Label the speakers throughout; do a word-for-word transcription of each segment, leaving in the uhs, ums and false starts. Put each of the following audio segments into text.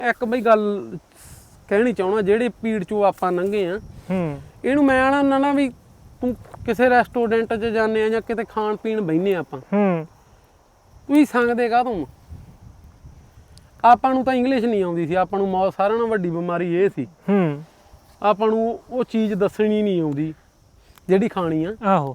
Speaker 1: ਇੱਕ ਬਈ ਗੱਲ ਕਹਿਣੀ ਚਾਹਣਾ ਜਿਹੜੇ ਪੀੜ ਚੋਂ ਆਪਾਂ ਲੰਘੇ ਆ
Speaker 2: ਹੂੰ
Speaker 1: ਇਹਨੂੰ ਮੈਂ ਆਣਾ ਹੁੰਦਾ ਨਾ ਵੀ ਤੂੰ ਕਿਸੇ ਰੈਸਟੋਰੈਂਟ 'ਚ ਜਾਂਦੇ ਆ ਜਾਂ ਕਿਤੇ ਖਾਣ ਪੀਣ ਬਹਿਨੇ ਆਪਾਂ
Speaker 2: ਹੂੰ
Speaker 1: ਤੁਸੀਂ ਸੰਗਦੇ ਕਾਹ ਤੂੰ ਆਪਾਂ ਨੂੰ ਤਾਂ ਇੰਗਲਿਸ਼ ਨਹੀਂ ਆਉਂਦੀ ਸੀ ਆਪਾਂ ਨੂੰ ਮੌਤ ਸਾਰਿਆਂ ਨਾਲੋਂ ਵੱਡੀ ਬਿਮਾਰੀ ਇਹ ਸੀ
Speaker 2: ਹੂੰ
Speaker 1: ਆਪਾਂ ਨੂੰ ਉਹ ਚੀਜ਼ ਦੱਸਣੀ ਨਹੀਂ ਆਉਂਦੀ ਜਿਹੜੀ ਖਾਣੀ ਆ
Speaker 2: ਆਹੋ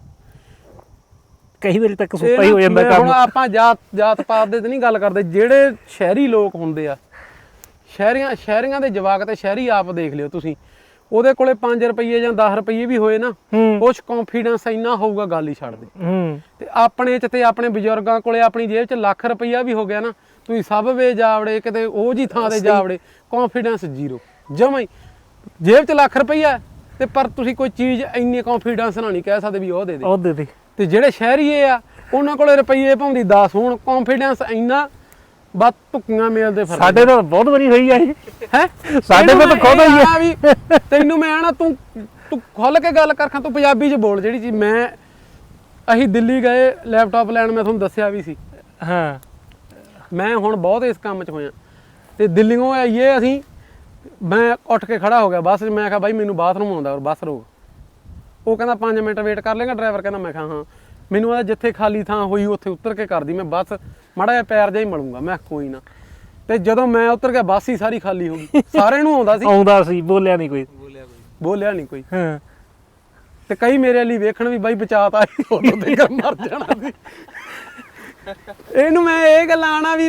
Speaker 2: ਕਈ ਵਾਰੀ ਤੱਕ ਸੁੱਤਾ ਹੀ ਹੋ ਜਾਂਦਾ ਕੰਮ
Speaker 1: ਹੁਣ ਆਪਾਂ ਜਾਤ ਜਾਤ ਪਾਤ ਦੇ ਤੇ ਨਹੀਂ ਗੱਲ ਕਰਦੇ ਜਿਹੜੇ ਸ਼ਹਿਰੀ ਲੋਕ ਹੁੰਦੇ ਆ ਸ਼ਹਿਰੀਆਂ ਸ਼ਹਿਰੀਆਂ ਦੇ ਜਵਾਕ ਤੇ ਸ਼ਹਿਰੀ ਆਪ ਦੇਖ ਲਿਓ ਤੁਸੀਂ ਉਹਦੇ ਕੋਲੇ ਪੰਜ ਰੁਪਏ ਜਾਂ ਦਸ ਰੁਪਏ ਵੀ ਹੋਏ ਨਾ ਕੁਛ ਕੌਨਫੀਡੈਂਸ ਇੰਨਾ ਹੋਊਗਾ ਗੱਲ ਹੀ ਛੱਡ ਦੇ
Speaker 2: ਹੂੰ
Speaker 1: ਤੇ ਆਪਣੇ ਚ ਤੇ ਆਪਣੇ ਬਜ਼ੁਰਗਾਂ ਕੋਲੇ ਆਪਣੀ ਜੇਬ ਚ ਲੱਖ ਰੁਪਈਆ ਵੀ ਹੋ ਗਿਆ ਨਾ ਤੁਸੀਂ ਸਭ ਵੇ ਜਾਵੜੇ ਕਿਤੇ ਉਹ ਜੀ ਥਾਂ ਤੇ ਜਾਵੜੇ ਕੌਨਫੀਡੈਂਸ ਜ਼ੀਰੋ ਜਮਾਂ ਹੀ ਜੇਬ ਚ ਲੱਖ ਰੁਪਈਆ ਤੇ ਪਰ ਤੁਸੀਂ ਕੋਈ ਚੀਜ਼ ਇੰਨੀ ਕੌਨਫੀਡੈਂਸ ਨਾਲ ਨਹੀਂ ਕਹਿ ਸਕਦੇ ਵੀ ਉਹ ਦੇ ਦੇ
Speaker 2: ਉਹ ਦੇ ਦੇ
Speaker 1: ਤੇ ਜਿਹੜੇ ਸ਼ਹਿਰੀਏ ਆ ਉਹਨਾਂ ਕੋਲੇ ਰੁਪਈਏ ਭਾਉਂਦੀ ਦਸ ਹੋਣ ਕੌਨਫੀਡੈਂਸ ਇੰਨਾ ਬਸ ਧੁੱਕੀਆਂ ਮੇਲਦੇ ਫਿਰ
Speaker 2: ਸਾਡੇ ਨਾਲ ਬਹੁਤ ਵਾਰੀ ਹੋਈ ਆ ਇਹ
Speaker 1: ਹੈ
Speaker 2: ਸਾਡੇ ਨਾਲ ਤਾਂ ਖੁਦ ਹੋਈ ਆ
Speaker 1: ਵੀ ਤੈਨੂੰ ਮੈਂ ਆਣਾ ਤੂੰ ਤੂੰ ਖੁੱਲ ਕੇ ਗੱਲ ਕਰ ਖਾਂ ਤੂੰ ਪੰਜਾਬੀ ਚ ਬੋਲ ਜਿਹੜੀ ਚੀਜ਼ ਮੈਂ ਅਸੀਂ ਦਿੱਲੀ ਗਏ ਲੈਪਟਾਪ ਲੈਣ ਮੈਂ ਤੁਹਾਨੂੰ ਦੱਸਿਆ ਵੀ ਸੀ
Speaker 2: ਹਾਂ
Speaker 1: ਮੈਂ ਹੁਣ ਬਹੁਤ ਇਸ ਕੰਮ 'ਚ ਹੋਇਆ ਤੇ ਦਿੱਲੀੋਂ ਆਈਏ ਅਸੀਂ ਮੈਂ ਉੱਠ ਕੇ ਖੜਾ ਹੋ ਗਿਆ ਬੱਸ 'ਚ ਮੈਂ ਕਿਹਾ ਬਾਈ ਮੈਨੂੰ ਬਾਥਰੂਮ ਆਉਂਦਾ ਔਰ ਬੱਸ ਰੋਕ ਉਹ ਕਹਿੰਦਾ ਪੰਜ ਮਿੰਟ ਵੇਟ ਕਰ ਲੇਗਾ ਡਰਾਈਵਰ ਕਹਿੰਦਾ ਮੈਂ ਕਿਹਾ ਹਾਂ ਮੈਨੂੰ ਆਦਾ ਜਿੱਥੇ ਖਾਲੀ ਥਾਂ ਹੋਈ ਉੱਥੇ ਉਤਰ ਕੇ ਕਰਦੀ ਮੈਂ ਬੱਸ ਮਾੜਾ ਜਿਹਾ ਪੈਰ ਜਿਹਾ ਹੀ ਮਲੂੰਗਾ ਮੈਂ ਕੋਈ ਨਾ ਤੇ ਜਦੋਂ ਮੈਂ ਉਤਰ ਗਿਆ ਬੱਸ ਹੀ ਸਾਰੀ ਖਾਲੀ ਹੋ ਗਈ ਸਾਰਿਆਂ ਨੂੰ ਆਉਂਦਾ ਸੀ
Speaker 2: ਆਉਂਦਾ ਸੀ ਬੋਲਿਆ ਨਹੀਂ ਕੋਈ
Speaker 1: ਬੋਲਿਆ ਨਹੀਂ ਕੋਈ
Speaker 2: ਹਾਂ
Speaker 1: ਤੇ ਕਈ ਮੇਰੇ ਲਈ ਵੇਖਣ ਵੀ ਬਾਈ ਬਚਾਤਾ ਉਦੋਂ ਤੇ ਕਰ ਮਰ ਜਾਣਾ ਸੀ ਇਹਨੂੰ ਮੈਂ ਇਹ ਗੱਲ ਆਣਾ ਵੀ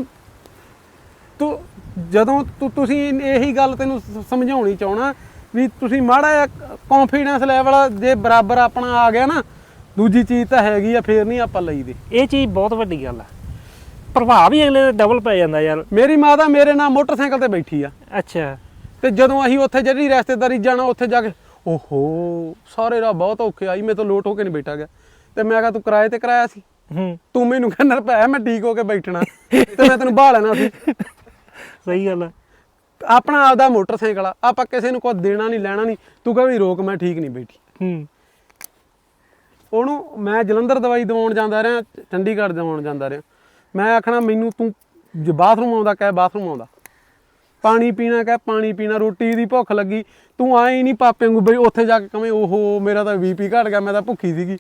Speaker 1: ਤੂੰ ਜਦੋਂ ਤੂੰ ਤੁਸੀਂ ਇਹੀ ਗੱਲ ਤੈਨੂੰ ਸਮਝਾਉਣੀ ਚਾਹਣਾ ਵੀ ਤੁਸੀਂ ਮਾੜਾ ਜਿਹਾ ਕੌਨਫੀਡੈਂਸ ਲੈਵਲ ਜੇ ਬਰਾਬਰ ਆਪਣਾ ਆ ਗਿਆ ਨਾ ਦੂਜੀ ਚੀਜ਼ ਤਾਂ ਹੈਗੀ ਆ ਫੇਰ ਨਹੀਂ ਆਪਾਂ ਲਈਦੇ
Speaker 2: ਇਹ ਚੀਜ਼ ਬਹੁਤ ਵੱਡੀ ਗੱਲ ਆ ਪ੍ਰਭਾਵ ਹੀ ਅਗਲੇ ਦਾ ਡਬਲ ਪੈ ਜਾਂਦਾ ਯਾਰ
Speaker 1: ਮੇਰੀ ਮਾਤਾ ਮੇਰੇ ਨਾਲ ਮੋਟਰਸਾਈਕਲ ਤੇ ਬੈਠੀ ਆ
Speaker 2: ਅੱਛਾ
Speaker 1: ਤੇ ਜਦੋਂ ਅਸੀਂ ਉੱਥੇ ਜਿਹੜੀ ਰਿਸ਼ਤੇਦਾਰੀ ਜਾਣਾ ਉੱਥੇ ਜਾ ਕੇ ਓਹੋ ਸਾਰੇ ਰਾਹ ਬਹੁਤ ਔਖੇ ਆਈ ਮੈਂ ਤਾਂ ਲੋਟ ਹੋ ਕੇ ਨਹੀਂ ਬੈਠਾ ਗਿਆ ਤੇ ਮੈਂ ਕਿਹਾ ਤੂੰ ਕਿਰਾਏ ਤੇ ਕਰਾਇਆ ਸੀ
Speaker 2: ਹੂੰ
Speaker 1: ਤੂੰ ਮੈਨੂੰ ਕਹਿੰਦਾ ਰੁਪਏ ਮੈਂ ਠੀਕ ਹੋ ਕੇ ਬੈਠਣਾ ਤੇ ਮੈਂ ਤੈਨੂੰ ਬਾਹ ਲੈਣਾ ਸੀ
Speaker 2: ਸਹੀ ਗੱਲ ਆ
Speaker 1: ਆਪਣਾ ਆਪਦਾ ਮੋਟਰਸਾਈਕਲ ਆ ਆਪਾਂ ਕਿਸੇ ਨੂੰ ਕੋਈ ਦੇਣਾ ਨਹੀਂ ਲੈਣਾ ਨਹੀਂ ਤੂੰ ਕਹ ਵੀ ਰੋਕ ਮੈਂ ਠੀਕ ਨਹੀਂ ਬੈਠੀ
Speaker 2: ਹੂੰ
Speaker 1: ਉਹਨੂੰ ਮੈਂ ਜਲੰਧਰ ਦਵਾਈ ਦਵਾਉਣ ਜਾਂਦਾ ਰਿਹਾ ਚੰਡੀਗੜ੍ਹ ਦਵਾਉਣ ਜਾਂਦਾ ਰਿਹਾ ਮੈਂ ਆਖਣਾ ਮੈਨੂੰ ਤੂੰ ਜੇ ਬਾਥਰੂਮ ਆਉਂਦਾ ਕਹਿ ਬਾਥਰੂਮ ਆਉਂਦਾ ਪਾਣੀ ਪੀਣਾ ਕਹਿ ਪਾਣੀ ਪੀਣਾ ਰੋਟੀ ਦੀ ਭੁੱਖ ਲੱਗੀ ਤੂੰ ਆਏ ਨਹੀਂ ਪਾਪੇ ਵਾਂਗੂ ਬਈ ਉੱਥੇ ਜਾ ਕੇ ਕਵੇਂ ਓਹੋ ਮੇਰਾ ਤਾਂ ਬੀ ਪੀ ਘਟ ਗਿਆ ਮੈਂ ਤਾਂ ਭੁੱਖੀ ਸੀਗੀ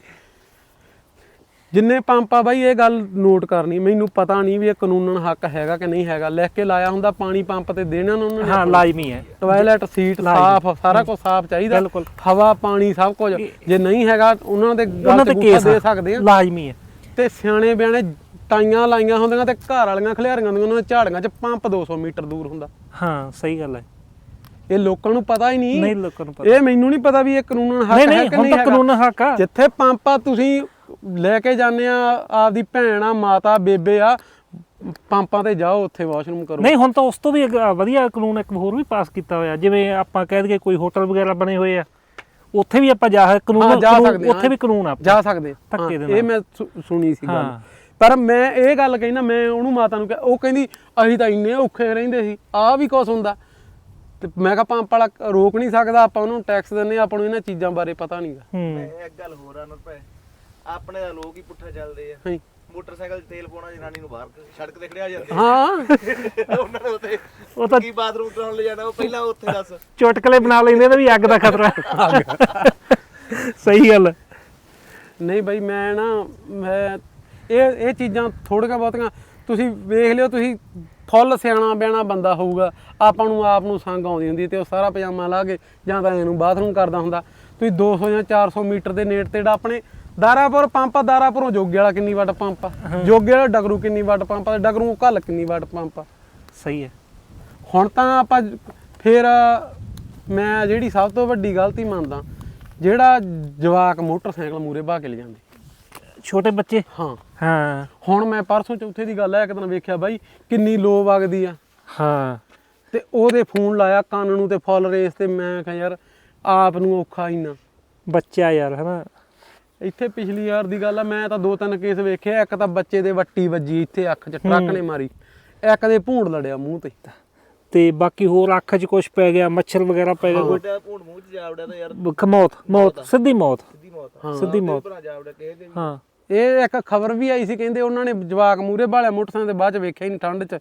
Speaker 1: ਜਿੰਨੇ ਪੰਪ ਆ ਬਾਈ ਇਹ ਗੱਲ ਨੋਟ ਕਰਨੀ ਮੈਨੂੰ ਪਤਾ ਨਹੀਂ ਵੀ ਇਹ ਕਾਨੂੰਨਨ ਹੱਕ ਹੈਗਾ ਕਿ ਨਹੀਂ ਹੈਗਾ ਲਿਖ ਕੇ ਲਾਇਆ ਹੁੰਦਾ ਪਾਣੀ ਪੰਪ ਤੇ ਦੇਣਾ ਉਹਨਾਂ ਨੇ
Speaker 2: ਹਾਂ ਲਾਜ਼ਮੀ ਹੈ
Speaker 1: ਟਾਇਲਟ ਸੀਟ ਸਾਫ਼ ਸਾਰਾ ਕੁਝ ਸਾਫ਼ ਚਾਹੀਦਾ ਹਵਾ ਪਾਣੀ ਸਭ ਕੁਝ ਜੇ ਨਹੀਂ ਹੈਗਾ ਉਹਨਾਂ ਦੇ ਗੱਲ ਤੇ ਕੇਸ ਦੇ ਸਕਦੇ ਆ
Speaker 2: ਲਾਜ਼ਮੀ ਹੈ
Speaker 1: ਤੇ ਸਿਆਣੇ ਬਿਆਣੇ ਟਾਈਆਂ ਲਾਈਆਂ ਹੁੰਦੀਆਂ ਤੇ ਘਰ ਵਾਲੀਆਂ ਖਲਿਆਰੀਆਂ ਹੁੰਦੀਆਂ ਉਹਨਾਂ ਦੇ ਝਾੜੀਆਂ 'ਚ ਪੰਪ ਦੋ ਸੌ ਮੀਟਰ ਦੂਰ ਹੁੰਦਾ
Speaker 2: ਹਾਂ ਸਹੀ ਗੱਲ ਹੈ
Speaker 1: ਇਹ ਲੋਕਾਂ ਨੂੰ ਪਤਾ ਹੀ ਨਹੀਂ
Speaker 2: ਨਹੀਂ ਲੋਕਾਂ ਨੂੰ ਪਤਾ
Speaker 1: ਇਹ ਮੈਨੂੰ ਨਹੀਂ ਪਤਾ ਵੀ ਇਹ ਕਾਨੂੰਨਨ ਹੱਕ ਹੈ ਕਿ ਨਹੀਂ
Speaker 2: ਹੈਗਾ ਕਾਨੂੰਨ ਹੱਕ ਆ
Speaker 1: ਜਿੱਥੇ ਪੰਪ ਆ ਤੁਸੀਂ ਲੈ ਕੇ ਜਾਂਦੇ ਆ ਆਪਦੀ ਭੈਣ ਆ ਮਾਤਾ ਬੇਬੇ ਆ ਪੰਪਾਂ ਤੇ ਜਾਓ ਉੱਥੇ ਵਾਸ਼ਰੂਮ ਕਰੋ
Speaker 2: ਨਹੀਂ ਹੁਣ ਤਾਂ ਉਸ ਤੋਂ ਵੀ ਵਧੀਆ ਕਾਨੂੰਨ ਇੱਕ ਹੋਰ ਵੀ ਪਾਸ ਕੀਤਾ ਹੋਇਆ ਜਿਵੇਂ ਆਪਾਂ ਕਹਿ ਦਈਏ ਕੋਈ ਹੋਟਲ ਵਗੈਰਾ ਬਣੇ ਹੋਏ ਆ ਉੱਥੇ ਵੀ ਆਪਾਂ ਜਾ ਕਾਨੂੰਨ ਉੱਥੇ ਵੀ ਕਾਨੂੰਨ ਆ
Speaker 1: ਜਾ ਸਕਦੇ
Speaker 2: ਧੱਕੇ ਦੇ ਨਾਲ
Speaker 1: ਇਹ ਮੈਂ ਸੁਣੀ ਸੀ ਗੱਲ ਪਰ ਮੈਂ ਇਹ ਗੱਲ ਕਹਿੰਦਾ ਮੈਂ ਉਹਨੂੰ ਮਾਤਾ ਨੂੰ ਉਹ ਕਹਿੰਦੀ ਅਸੀਂ ਤਾਂ ਇੰਨੇ ਔਖੇ ਰਹਿੰਦੇ ਸੀ ਆਹ ਵੀ ਕੁਛ ਹੁੰਦਾ ਤੇ ਮੈਂ ਕਿਹਾ ਪੰਪ ਵਾਲਾ ਰੋਕ ਨਹੀਂ ਸਕਦਾ ਆਪਾਂ ਉਹਨੂੰ ਟੈਕਸ ਦਿੰਦੇ ਆਪਾਂ ਨੂੰ ਇਹਨਾਂ ਚੀਜ਼ਾਂ ਬਾਰੇ ਪਤਾ ਨਹੀਂਗਾ
Speaker 3: ਇੱਕ ਗੱਲ ਹੋਰ ਆ ਨਾ ਭਾਈ ਆਪਣੇ ਦਾ ਲੋਕ ਹੀ ਪੁੱਠਾ ਚੱਲਦੇ ਆ ਮੋਟਰਸਾਈਕਲ 'ਚ ਤੇਲ ਪਾਉਣਾ ਜਨਾਨੀ ਨੂੰ ਬਾਹਰ ਸੜਕ ਤੇ ਖੜਿਆ ਜਾਂਦੇ
Speaker 1: ਹਾਂ
Speaker 3: ਉਹਨਾਂ ਨੇ ਉੱਥੇ
Speaker 2: ਉਹ ਤਾਂ
Speaker 3: ਕੀ ਬਾਥਰੂਮ ਕਰਾਉਣ ਲੈ ਜਾਣਾ ਉਹ ਪਹਿਲਾਂ ਉੱਥੇ ਦੱਸ
Speaker 2: ਚੁਟਕਲੇ ਬਣਾ ਲੈਂਦੇ ਨੇ ਵੀ ਅੱਗ ਦਾ ਖਤਰਾ ਸਹੀ ਗੱਲ
Speaker 1: ਨਹੀਂ ਬਾਈ ਮੈਂ ਨਾ ਮੈਂ ਇਹ ਇਹ ਚੀਜ਼ਾਂ ਥੋੜੀਆਂ ਬਹੁਤੀਆਂ ਤੁਸੀਂ ਵੇਖ ਲਿਓ ਤੁਸੀਂ ਫੁੱਲ ਸਿਆਣਾ ਬਿਆਣਾ ਬੰਦਾ ਹੋਊਗਾ ਆਪਾਂ ਨੂੰ ਆਪ ਨੂੰ ਸੰਗ ਆਉਂਦੀ ਹੁੰਦੀ ਤੇ ਉਹ ਸਾਰਾ ਪਜਾਮਾ ਲਾ ਕੇ ਜਾਂ ਤਾਂ ਇਹਨੂੰ ਬਾਥਰੂਮ ਕਰਦਾ ਹੁੰਦਾ ਤੁਸੀਂ ਦੋ ਸੌ ਜਾਂ ਚਾਰ ਸੌ ਮੀਟਰ ਦੇ ਨੇੜੇ ਤੇੜਾ ਆਪਣੇ ਦਾਰਾਪੁਰ ਪੰਪ ਆ ਦਾਰਾਪੁਰੋਂ ਜੋਗੇ ਵਾਲਾ ਕਿੰਨੀ ਵਾਟ ਪੰਪ ਆ ਜੋਗੇ ਵਾਲਾ ਡਗਰੂ ਕਿੰਨੀ ਵਾਟ ਪੰਪ ਆ ਡਗਰੂ ਘੱਲ ਕਿੰਨੀ ਵਾਟ ਪੰਪ ਆ
Speaker 2: ਸਹੀ ਹੈ
Speaker 1: ਹੁਣ ਤਾਂ ਆਪਾਂ ਫਿਰ ਮੈਂ ਜਿਹੜੀ ਸਭ ਤੋਂ ਵੱਡੀ ਗਲਤੀ ਮੰਨਦਾ ਜਿਹੜਾ ਜਵਾਕ ਮੋਟਰਸਾਈਕਲ ਮੂਰੇ ਬਹਾ ਕੇ ਲੈ ਜਾਂਦੇ
Speaker 2: ਛੋਟੇ ਬੱਚੇ
Speaker 1: ਹਾਂ
Speaker 2: ਹਾਂ ਹੁਣ
Speaker 1: ਮੈਂ ਪਰਸੋਂ ਚੌਥੇ ਦੀ ਗੱਲ ਹੈ ਇੱਕ ਦਿਨ ਵੇਖਿਆ ਬਾਈ ਕਿੰਨੀ ਲੋ ਵਗਦੀ ਆ
Speaker 2: ਹਾਂ
Speaker 1: ਤੇ ਉਹਦੇ ਫੋਨ ਲਾਇਆ ਕੰਨ ਨੂੰ ਤੇ ਫੁੱਲ ਰੇਸ ਤੇ ਮੈਂ ਕਿਹਾ ਯਾਰ ਆਪ ਨੂੰ ਔਖਾ ਇੰਨਾ
Speaker 2: ਬੱਚਾ ਯਾਰ ਹਨਾ
Speaker 1: ਇੱਥੇ ਪਿਛਲੀ ਯਾਰ ਦੀ ਗੱਲ ਆ ਮੈਂ ਤਾਂ ਦੋ ਤਿੰਨ ਕੇਸ ਵੇਖਿਆ ਇੱਕ ਤਾਂ ਬੱਚੇ ਦੇ ਵੱਟੀ ਵੱਜੀ ਇੱਥੇ ਅੱਖ 'ਚ ਟਰੱਕ ਨੇ ਮਾਰੀ ਇੱਕ ਦੇ ਭੂੰਡ ਲੜਿਆ ਮੂੰਹ ਤੇ
Speaker 2: ਤੇ ਬਾਕੀ ਹੋਰ ਅੱਖ 'ਚ ਕੁਝ ਪੈ ਗਿਆ ਮੱਛਰ ਵਗੈਰਾ ਪੈ ਗਿਆ ਕੋਈ
Speaker 3: ਭੂੰਡ ਮੂੰਹ 'ਚ ਜਾ ਵੜਿਆ ਤਾਂ ਯਾਰ
Speaker 2: ਮੌਤ ਮੌਤ ਸਿੱਧੀ ਮੌਤ
Speaker 3: ਸਿੱਧੀ ਮੌਤ
Speaker 1: ਹਾਂ
Speaker 2: ਸਿੱਧੀ ਮੌਤ
Speaker 3: ਭਰਾ ਜਾ ਵੜਿਆ ਕਿਸੇ ਦੇ
Speaker 2: ਹਾਂ
Speaker 1: ਇਹ ਇੱਕ ਖਬਰ ਵੀ ਆਈ ਸੀ ਕਹਿੰਦੇ ਉਹਨਾਂ ਨੇ ਜਵਾਕ ਮੂਰੇ ਭਾਲਿਆ ਮੋਟਰਸਾਈਕਲ ਦੇ ਬਾਅਦ ਚ ਵੇਖਿਆ ਹੀ ਨਹੀਂ ਠੰਡ 'ਚ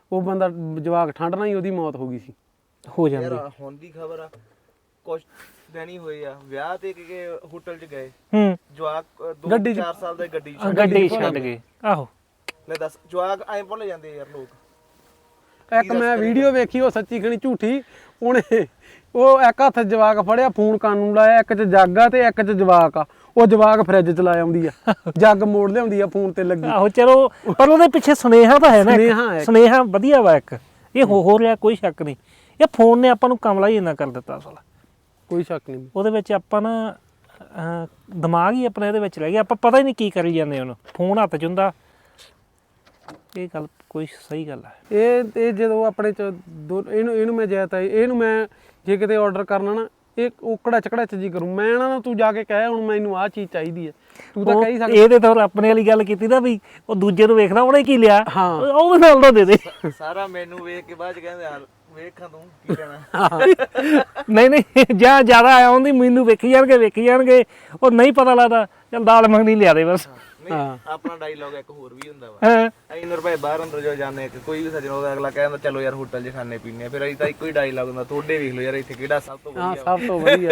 Speaker 1: ਉਹ ਬੰਦਾ ਜਵਾਕ ਠੰਡ ਨਾਲ ਹੀ ਉਹਦੀ ਮੌਤ ਹੋ ਗਈ ਸੀ।
Speaker 2: ਹੋ
Speaker 3: ਯਾਰ
Speaker 2: ਜਾਂਦੀ।
Speaker 3: ਹੁਣ ਦੀ ਖਬਰ ਆ ਕੁਛ ਦਿਨ ਹੀ ਹੋਏ ਆ ਵਿਆਹ ਤੇ ਕਿ ਹੋਟਲ 'ਚ ਗਏ
Speaker 2: ਹੂੰ
Speaker 3: ਜਵਾਕ ਦੋ
Speaker 1: ਗੱਡੀ 'ਚ-
Speaker 3: ਚਾਰ ਸਾਲ ਦਾ ਗੱਡੀ 'ਚ
Speaker 2: ਗੱਡੀ ਛੱਡ ਗਏ। ਆਹੋ
Speaker 3: ਲੈ ਦੱਸ ਜਵਾਕ ਐਂ ਭੁੱਲ ਜਾਂਦੇ ਯਾਰ ਲੋਕ।
Speaker 1: ਇੱਕ ਮੈਂ ਵੀਡੀਓ ਵੇਖੀ ਉਹ ਸੱਚੀ ਖਣੀ ਝੂਠੀ, ਉਹਨੇ ਉਹ ਇੱਕ ਹੱਥ ਜਵਾਕ ਫੜਿਆ ਫੋਨ ਕੰਨ ਨੂੰ ਲਾਇਆ, ਇੱਕ 'ਚ ਜੱਗ ਆ ਤੇ ਇੱਕ 'ਚ ਜਵਾਕ ਆ, ਉਹ ਜਵਾਕ ਫਰਿੱਜ 'ਚ ਲਾਇਆ ਆਉਂਦੀ ਆ, ਜੱਗ ਮੋੜ ਲਿਆਉਂਦੀ ਆ ਫੋਨ ਤੇ ਲੱਗੀ।
Speaker 2: ਆਹੋ ਚਲੋ ਪਰ ਉਹਦੇ ਪਿੱਛੇ ਸੁਨੇਹਾ ਤਾਂ ਹੈ ਨਾ ਇੱਕ।
Speaker 1: ਸੁਨੇਹਾ ਹੈ।
Speaker 2: ਸੁਨੇਹਾ ਵਧੀਆ ਵਾ ਇੱਕ, ਇਹ ਹੋ ਹੋ ਰਿਹਾ ਕੋਈ ਸ਼ੱਕ ਨਹੀਂ। ਇਹ ਫੋਨ ਨੇ ਆਪਾਂ ਨੂੰ ਕਮਲਾ ਹੀ ਇੰਨਾ ਕਰ ਦਿੱਤਾ ਅਸਲ।
Speaker 1: ਕੋਈ ਸ਼ੱਕ ਨਹੀਂ।
Speaker 2: ਉਹਦੇ ਵਿੱਚ ਆਪਾਂ ਨਾ ਅਹ, ਦਿਮਾਗ ਹੀ ਆਪਣਾ ਇਹਦੇ ਵਿੱਚ ਰਹਿ ਗਿਆ, ਆਪਾਂ ਪਤਾ ਹੀ ਨਹੀਂ ਕੀ ਕਰੀ ਜਾਂਦੇ ਉਹਨੂੰ। ਫੋਨ ਹੱਥ 'ਚ ਹੁੰਦਾ, ਇਹ ਗੱਲ ਕੋਈ ਸਹੀ ਗੱਲ ਹੈ।
Speaker 1: ਇਹ ਇਹ ਜਦੋਂ ਆਪਣੇ ਚ ਦੋ ਇਹਨੂੰ ਇਹਨੂੰ ਮੈਂ ਜਾਇਤਾ ਇਹਨੂੰ ਮੈਂ ਜੇ ਕਿਤੇ ਆਰਡਰ ਕਰਨਾ ਨਾ ਇਹ ਉਕੜਾ ਚਕੜਾ ਚ ਜੀ ਕਰੂੰ ਮੈਂ ਨਾ ਨਾ ਤੂੰ ਜਾ ਕੇ ਕਹਿ ਹੁਣ ਮੈਨੂੰ ਆਹ ਚੀਜ਼ ਚਾਹੀਦੀ ਹੈ, ਤੂੰ ਤਾਂ
Speaker 2: ਉਹ
Speaker 1: ਕਹਿ ਹੀ ਸਕਦਾ।
Speaker 2: ਇਹਦੇ ਤੋਂ ਆਪਣੇ ਵਾਲੀ ਗੱਲ ਕੀਤੀ ਨਾ ਵੀ ਉਹ ਦੂਜੇ ਨੂੰ ਵੇਖਣਾ ਉਹਨੇ ਕੀ ਲਿਆ,
Speaker 1: ਹਾਂ।
Speaker 2: ਉਹ ਵੀ ਨਾਲ ਦਾ ਦੇ ਦੇ।
Speaker 3: ਸਾਰਾ ਮੈਨੂੰ ਵੇਖ ਕੇ ਬਾਅਦ 'ਚ ਕਹਿੰਦੇ ਯਾਰ ਵੇਖਾਂ ਤੂੰ ਕੀ ਕਹਿਣਾ।
Speaker 2: ਨਹੀਂ ਨਹੀਂ ਜਾਂ ਜ਼ਿਆਦਾ ਆਇਆ ਹੁੰਦੀ ਮੈਨੂੰ ਵੇਖੀ ਜਾਣਗੇ ਵੇਖੀ ਜਾਣਗੇ, ਉਹ ਨਹੀਂ ਪਤਾ ਲੱਗਦਾ ਚੱਲ ਦਾਲ ਮੱਖਣੀ ਲਿਆ ਦੇ ਬਸ।
Speaker 3: ਨਹੀਂ ਆਪਣਾ ਡਾਇਲੌਗ ਇੱਕ ਹੋਰ ਵੀ ਹੁੰਦਾ ਵਾ।
Speaker 2: ਹਾਂ
Speaker 3: ਅਸੀਂ ਰੁਪਏ ਬਾਹਰ ਅੰਦਰ ਜੋ ਜਾਂਦੇ ਕਿ ਕੋਈ ਵੀ ਸੱਜਣ ਉਹਦਾ ਅਗਲਾ ਕਹਿੰਦਾ ਚਲੋ ਯਾਰ ਹੋਟਲ 'ਚ ਖਾਣੇ ਪੀਣੇ ਆ, ਫਿਰ ਅਸੀਂ ਤਾਂ ਇੱਕੋ ਹੀ ਡਾਇਲੌਗ ਹੁੰਦਾ ਤੁਹਾਡੇ ਵੇਖ ਲਓ ਯਾਰ ਇੱਥੇ ਕਿਹੜਾ ਸਭ ਤੋਂ
Speaker 1: ਹਾਂ
Speaker 3: ਵਧੀਆ
Speaker 1: ਸਭ ਤੋਂ ਵਧੀਆ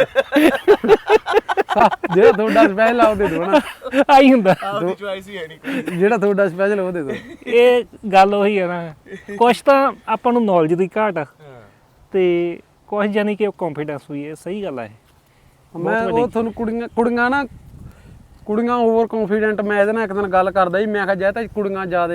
Speaker 1: ਜਿਹੜਾ ਤੁਹਾਡਾ ਸਪੈਸ਼ਲ ਆ ਉਹ ਦੇ ਦਿਓ ਨਾ,
Speaker 2: ਆਈ ਹੁੰਦਾ।
Speaker 3: ਆਪਦੀ ਚੁਆਇਸ ਹੀ ਹੈ ਨਹੀਂ ਕੋਈ।
Speaker 1: ਜਿਹੜਾ ਤੁਹਾਡਾ ਸਪੈਸ਼ਲ ਉਹ ਦੇ ਦਿਓ।
Speaker 2: ਇਹ ਗੱਲ ਉਹੀ ਹੈ ਨਾ, ਕੁਛ ਤਾਂ ਆਪਾਂ ਨੂੰ ਨੌਲੇਜ ਦੀ ਘਾਟ ਆ ਤੇ ਕੁਛ ਜਾਨੀ ਕਿ ਉਹ ਕੌਨਫੀਡੈਂਸ ਵੀ ਹੈ। ਸਹੀ ਗੱਲ ਹੈ।
Speaker 1: ਮੈਂ ਉਹ ਤੁਹਾਨੂੰ ਕੁੜੀਆਂ ਕੁੜੀਆਂ ਨਾ ਕੁੜੀਆਂ ਓਵਰ ਕੌਨਫੀਡੈਂਟ, ਮੈਂ ਇਹਦੇ ਨਾਲ ਇੱਕ ਦਿਨ ਗੱਲ ਕਰਦਾ ਸੀ, ਮੈਂ ਕਿਹਾ ਜੇ ਤਾਂ ਕੁੜੀਆਂ ਜ਼ਿਆਦਾ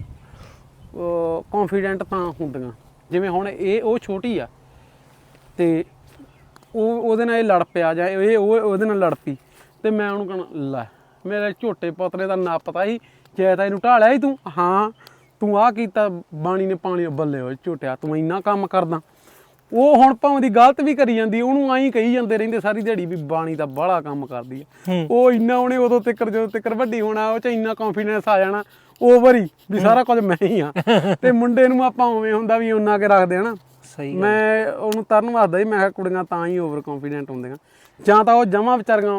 Speaker 1: ਕੌਨਫੀਡੈਂਟ ਤਾਂ ਹੁੰਦੀਆਂ, ਜਿਵੇਂ ਹੁਣ ਇਹ ਉਹ ਛੋਟੀ ਆ ਤੇ ਉਹ ਉਹਦੇ ਨਾਲ ਇਹ ਲੜ ਪਿਆ ਜਾਂ ਇਹ ਉਹ ਉਹਦੇ ਨਾਲ ਲੜ ਪਈ ਤੇ ਮੈਂ ਉਹਨੂੰ ਕਹਣਾ ਲੈ ਮੇਰੇ ਝੋਟੇ ਪੁੱਤਰੇ ਦਾ ਨਾ ਪਤਾ ਸੀ ਜੇ ਤਾਂ ਇਹਨੂੰ ਢਾਲਿਆ ਸੀ ਤੂੰ, ਹਾਂ ਤੂੰ ਆਹ ਕੀਤਾ ਬਾਣੀ ਨੇ ਪਾਣੀ ਬੱਲੇ ਹੋਏ ਝੋਟਿਆ ਤੂੰ ਇੰਨਾ ਕੰਮ ਕਰਦਾ। ਉਹ ਹੁਣ ਭਾਵੇਂ ਦੀ ਗਲਤ ਵੀ ਕਰੀ ਜਾਂਦੀ, ਉਹਨੂੰ ਆਈ ਕਹੀ ਜਾਂਦੇ ਰਹਿੰਦੇ ਸਾਰੀ ਦਿਹਾੜੀ ਵੀ ਬਾਣੀ ਦਾ ਬਾਹਲਾ ਕੰਮ ਕਰਦੀ ਆ। ਉਹ ਇੰਨਾ ਉਹਨੇ ਉਦੋਂ ਤੱਕਰ ਜਦੋਂ ਤੱਕਰ ਵੱਡੀ ਹੋਣਾ ਉਹ ਚ ਇੰਨਾ ਕੌਨਫੀਡੈਂਸ ਆ ਜਾਣਾ ਓਵਰ ਹੀ ਵੀ ਸਾਰਾ ਕੁਝ ਮੈਂ ਹੀ ਆ। ਤੇ ਮੁੰਡੇ ਨੂੰ ਆਪਾਂ ਉਵੇਂ ਹੁੰਦਾ ਵੀ ਉਹਨਾਂ ਕੇ ਰੱਖਦੇ ਹਨਾ।
Speaker 2: ਸਹੀ
Speaker 1: ਮੈਂ ਉਹਨੂੰ ਤਰਨ ਵਾਸਦਾ ਸੀ, ਮੈਂ ਕਿਹਾ ਕੁੜੀਆਂ ਤਾਂ ਹੀ ਓਵਰ ਕੌਨਫੀਡੈਂਟ ਹੁੰਦੀਆਂ, ਜਾਂ ਤਾਂ ਉਹ ਜਮਾਂ ਵਿਚਾਰੀਆਂ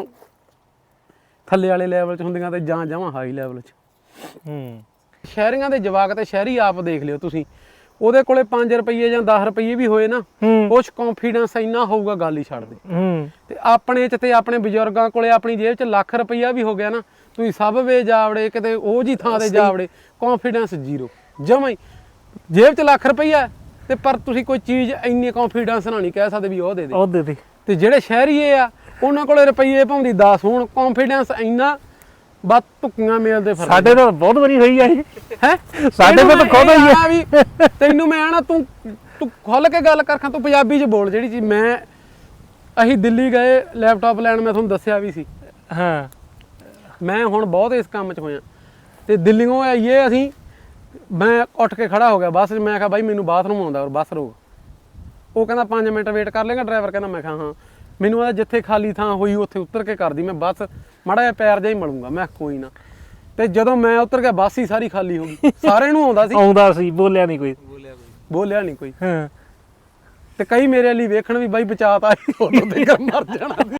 Speaker 1: ਥੱਲੇ ਵਾਲੇ ਲੈਵਲ 'ਚ ਹੁੰਦੀਆਂ ਤੇ ਜਾਂ ਜਮਾਂ ਹਾਈ ਲੈਵਲ 'ਚ।
Speaker 2: ਹੂੰ
Speaker 1: ਸ਼ਹਿਰੀਆਂ ਦੇ ਜਵਾਕ ਤੇ ਸ਼ਹਿਰੀ ਆਪ ਦੇਖ ਲਿਓ ਤੁਸੀਂ, ਉਹਦੇ ਕੋਲੇ ਪੰਜ ਰੁਪਏ ਜਾਂ ਦਸ ਰੁਪਏ ਵੀ ਹੋਏ ਨਾ, ਉਹ 'ਚ ਕੌਨਫੀਡੈਂਸ ਇੰਨਾ ਹੋਊਗਾ ਗੱਲ ਹੀ ਛੱਡ ਦੇ।
Speaker 2: ਹੂੰ
Speaker 1: ਤੇ ਆਪਣੇ 'ਚ ਤੇ ਆਪਣੇ ਬਜ਼ੁਰਗਾਂ ਕੋਲੇ ਆਪਣੀ ਜੇਬ 'ਚ ਲੱਖ ਰੁਪਈਆ ਵੀ ਹੋ ਗਿਆ ਨਾ, ਤੁਸੀਂ ਸਭ ਵੇ ਜਾਵੜੇ ਕਿਤੇ ਉਹ ਜੀ ਥਾਂ ਤੇ ਜਾਵੜੇ, ਕੌਨਫੀਡੈਂਸ ਜ਼ੀਰੋ ਜਮਾਂ ਹੀ। ਜੇਬ 'ਚ ਲੱਖ ਰੁਪਈਆ ਤੇ ਪਰ ਤੁਸੀਂ ਕੋਈ ਚੀਜ਼ ਇੰਨੀ ਕੌਨਫੀਡੈਂਸ ਨਾਲ ਨਹੀਂ ਕਹਿ ਸਕਦੇ ਵੀ ਉਹ ਦੇ ਦੇ।
Speaker 2: ਉਹ ਦੇ ਦੇ।
Speaker 1: ਤੇ ਜਿਹੜੇ ਸ਼ਹਿਰੀਏ ਆ ਉਹਨਾਂ ਕੋਲੇ ਰੁਪਈਏ ਭਾਵੇਂ ਦਸ ਹੋਣ, ਕੌਨਫੀਡੈਂਸ ਇੰਨਾ ਬਸ ਧੁੱਕੀਆਂ ਮੇਲਦੇ ਫਿਰਦੇ।
Speaker 2: ਸਾਡੇ ਨਾਲ ਬਹੁਤ ਵਾਰੀ ਹੋਈ ਆ ਇਹ
Speaker 1: ਹੈ
Speaker 2: ਸਾਡੇ ਕੋਲ ਤਾਂ ਖੁਦ ਹੋਈ ਆ
Speaker 1: ਵੀ ਤੈਨੂੰ ਮੈਂ ਆਣਾ ਤੂੰ ਤੂੰ ਖੁੱਲ ਕੇ ਗੱਲ ਕਰ ਖਾਂ, ਤੂੰ ਪੰਜਾਬੀ 'ਚ ਬੋਲ ਜਿਹੜੀ ਚੀਜ਼। ਮੈਂ ਅਸੀਂ ਦਿੱਲੀ ਗਏ ਲੈਪਟਾਪ ਲੈਣ, ਮੈਂ ਤੁਹਾਨੂੰ ਦੱਸਿਆ ਵੀ ਸੀ।
Speaker 2: ਹਾਂ
Speaker 1: ਮੈਂ ਹੁਣ ਬਹੁਤ ਇਸ ਕੰਮ 'ਚ ਹੋਇਆ ਤੇ ਦਿੱਲੀੋਂ ਆਈਏ ਅਸੀਂ, ਮੈਂ ਉੱਠ ਕੇ ਖੜਾ ਹੋ ਗਿਆ ਬੱਸ 'ਚ, ਮੈਂ ਕਿਹਾ ਬਾਈ ਮੈਨੂੰ ਬਾਥਰੂਮ ਆਉਂਦਾ ਔਰ ਬੱਸ ਰੋਕ। ਉਹ ਕਹਿੰਦਾ ਪੰਜ ਮਿੰਟ ਵੇਟ ਕਰ ਲੇਗਾ ਡਰਾਈਵਰ ਕਹਿੰਦਾ, ਮੈਂ ਕਿਹਾ ਹਾਂ। ਮੈਨੂੰ ਆਦਾ ਜਿੱਥੇ ਖਾਲੀ ਥਾਂ ਹੋਈ ਉੱਥੇ ਉਤਰ ਕੇ ਕਰਦੀ ਮੈਂ ਬੱਸ, ਮਾੜਾ ਜਿਹਾ ਪੈਰ ਜਿਹਾ ਹੀ ਮਲੂੰਗਾ। ਮੈਂ ਕੋਈ ਨਾ। ਤੇ ਜਦੋਂ ਮੈਂ ਉਤਰ ਗਿਆ ਬੱਸ ਹੀ ਸਾਰੀ ਖਾਲੀ ਹੋ ਗਈ, ਸਾਰਿਆਂ ਨੂੰ ਆਉਂਦਾ ਸੀ
Speaker 2: ਆਉਂਦਾ ਸੀ, ਬੋਲਿਆ ਨਹੀਂ ਕੋਈ,
Speaker 3: ਬੋਲਿਆ ਕੋਈ
Speaker 1: ਬੋਲਿਆ ਨਹੀਂ ਕੋਈ।
Speaker 2: ਹਾਂ
Speaker 1: ਤੇ ਕਈ ਮੇਰੇ ਲਈ ਵੇਖਣ ਵੀ ਬਾਈ ਬਚਾਤਾ ਉਦੋਂ ਤੇ ਮਰ ਜਾਣਾ।